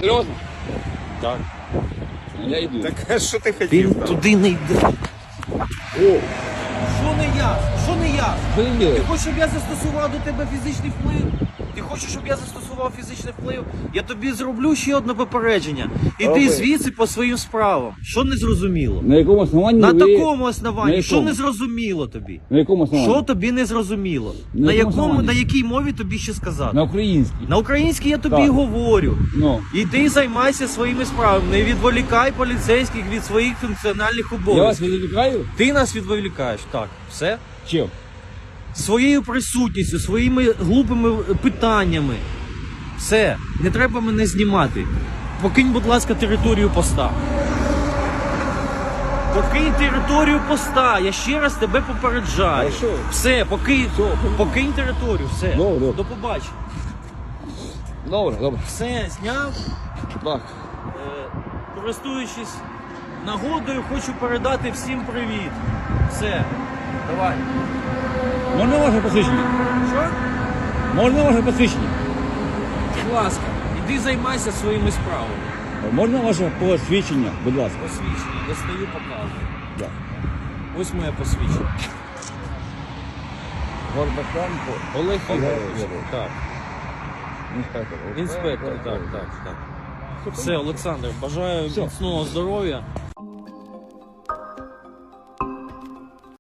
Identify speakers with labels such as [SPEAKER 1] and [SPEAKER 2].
[SPEAKER 1] Серйозно?
[SPEAKER 2] Так.
[SPEAKER 1] Я йду.
[SPEAKER 3] Так а що ти хотів?
[SPEAKER 2] Він
[SPEAKER 3] там?
[SPEAKER 2] туди не йде.
[SPEAKER 1] О,
[SPEAKER 2] Що не я? Що не я?
[SPEAKER 1] блін.
[SPEAKER 2] Ти хочеш, щоб я застосував до тебе фізичний вплив? Ти хочеш, щоб я застосував фізичний вплив? Я тобі зроблю ще одне попередження. Іди
[SPEAKER 1] Роби.
[SPEAKER 2] звідси по своїм справам. Що не зрозуміло?
[SPEAKER 1] На якому основанні
[SPEAKER 2] На
[SPEAKER 1] ви...
[SPEAKER 2] такому
[SPEAKER 1] На
[SPEAKER 2] основанні. Що
[SPEAKER 1] якому?
[SPEAKER 2] не зрозуміло тобі?
[SPEAKER 1] На якому основанні?
[SPEAKER 2] Що тобі не зрозуміло?
[SPEAKER 1] На якому основанні?
[SPEAKER 2] На якій мові тобі ще сказати?
[SPEAKER 1] На українській.
[SPEAKER 2] На українській я тобі
[SPEAKER 1] Так.
[SPEAKER 2] і говорю.
[SPEAKER 1] Ну.
[SPEAKER 2] Іди займайся своїми справами. Не відволікай поліцейських від своїх функціональних
[SPEAKER 1] Я вас
[SPEAKER 2] обов'язків.
[SPEAKER 1] відволікаю?
[SPEAKER 2] Ти нас відволікаєш. Так, все?
[SPEAKER 1] Чим?
[SPEAKER 2] Своєю присутністю, своїми глупими питаннями. Все, не треба мене знімати. Покинь, будь ласка, територію поста. Покинь територію поста. Я ще раз тебе попереджаю.
[SPEAKER 1] Хорошо.
[SPEAKER 2] Все, покинь територію, все.
[SPEAKER 1] Добре.
[SPEAKER 2] До побачення.
[SPEAKER 1] Добре, добре.
[SPEAKER 2] Все, зняв.
[SPEAKER 1] Так.
[SPEAKER 2] Користуючись нагодою, хочу передати всім привіт. Все, давай.
[SPEAKER 1] Можна ваше посвідчення?
[SPEAKER 2] Що?
[SPEAKER 1] Можна ваше посвідчення?
[SPEAKER 2] Будь ласка, іди займайся своїми справами.
[SPEAKER 1] Можна ваше посвідчення, будь ласка?
[SPEAKER 2] Посвідчення, достаю, показую.
[SPEAKER 1] Так.
[SPEAKER 2] Ось моє посвідчення.
[SPEAKER 1] Горбаченко.
[SPEAKER 2] Олег
[SPEAKER 1] Олег
[SPEAKER 2] Ігорович.
[SPEAKER 1] Ігорович.
[SPEAKER 2] Так.
[SPEAKER 1] Інспектор.
[SPEAKER 2] Інспектор, так. Все, Олександр, бажаю
[SPEAKER 1] Все.
[SPEAKER 2] міцного здоров'я.